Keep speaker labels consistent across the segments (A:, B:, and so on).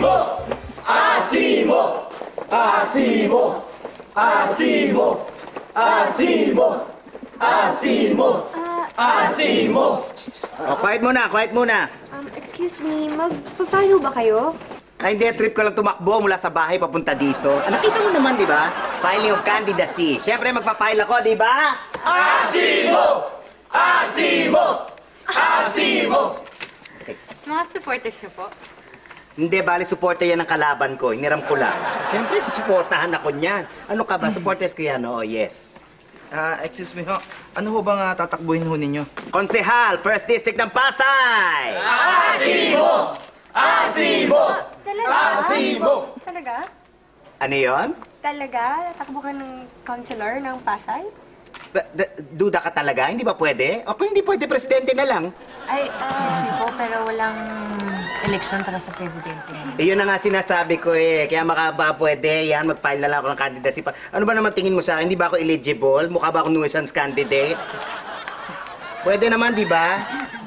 A: Asimo! Asimo! Asimo! Asimo! Asimo! Asimo! Asimo!
B: O, quiet muna, quiet muna.
C: Excuse me, magpa-follow ba kayo?
B: Ay, hindi, trip ko lang tumakbo mula sa bahay papunta dito. Ah, nakita mo naman, di ba? Filing of candidacy. Siyempre, magpa-file ako, di ba?
A: Asimo! Asimo! Asimo!
D: Mga supporters niyo po?
B: Hindi, bali, supporter yan ng kalaban ko. Hiniram ko lang. Siyempre, susuportahan ako niyan. Ano ka ba? Supporters ko yan, oo, yes.
E: Excuse me ho. Ano ho bang tatakbuhin ho ninyo?
B: Konsehal, First District ng Pasay!
A: Asimo! Asimo!
C: Talaga?
A: Asimo!
C: Talaga?
B: Ano yon?
C: Talaga? Tatakbo ka ng counselor ng Pasay?
B: Duda ka talaga? Hindi ba pwede? O kung hindi pwede, presidente na lang.
D: Ay, po, pero walang eleksyon para sa presidente.
B: Eh, yun na nga sinasabi ko eh. Kaya baka pwede, yan, mag-file na lang ako ng candidacy pa. Ano ba naman tingin mo sa akin? Hindi ba ako eligible? Mukha ba ako nuisance candidate? Pwede naman, di ba?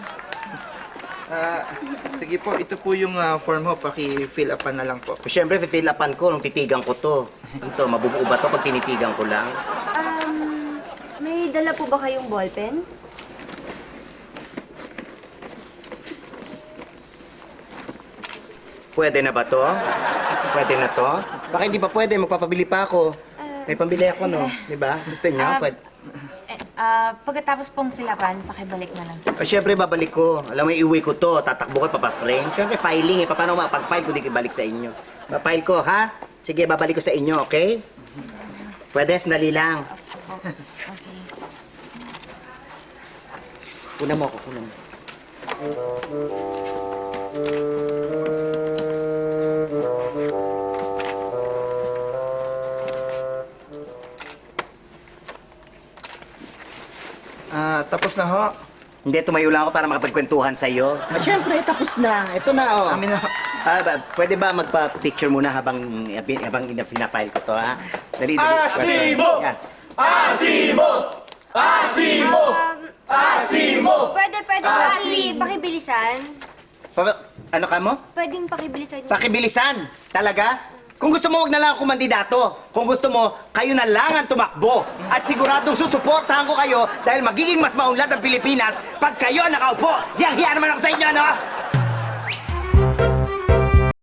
E: Sige po, ito po yung form ho. Paki-fill upan na lang po.
B: Siyempre, fill upan ko nung titigan ko to. Ito, mabubuo ba to pag tinitigan ko lang?
C: May dala po ba kayong ballpen?
B: Pwede na ba to? Pwede na to? Baka hindi pa pwede, magpapabili pa ako. May pambili ako, no? Di ba? Gusto niyo? Pwede.
D: Pagkatapos pong filapan, pakibalik na lang sa...
B: Siyempre, babalik ko. Alam mo, iuwi ko to. Tatakbo ko, papaframe. Siyempre, filing eh. Paano mapag-file ko, di ibalik sa inyo. Papile ko, ha? Sige, babalik ko sa inyo, okay? Pwede, sandali lang.
D: Okay.
B: Kuna mo ako, kuna mo.
E: Tapos na ho.
B: Hindi, tumayo lang ako para makapagkwentuhan sa'yo. Siyempre, tapos na. Ito na, oh.
E: Amin na ho.
B: Pwede ba magpa-picture muna habang pinafile ko to, ha? Dali, dali.
A: Asimo!
B: Yan.
A: Asimo! Asimo! Asimo!
C: Pwede pakibilisan.
B: Ano ka mo?
C: Pwedeng pakibilisan.
B: Pakibilisan! Talaga? Kung gusto mo, wag na lang ako mandidato. Kung gusto mo, kayo na lang ang tumakbo. At siguradong susuportahan ko kayo dahil magiging mas maunlad ang Pilipinas pag kayo nakaupo. Yang hiya naman ako sa inyo, no?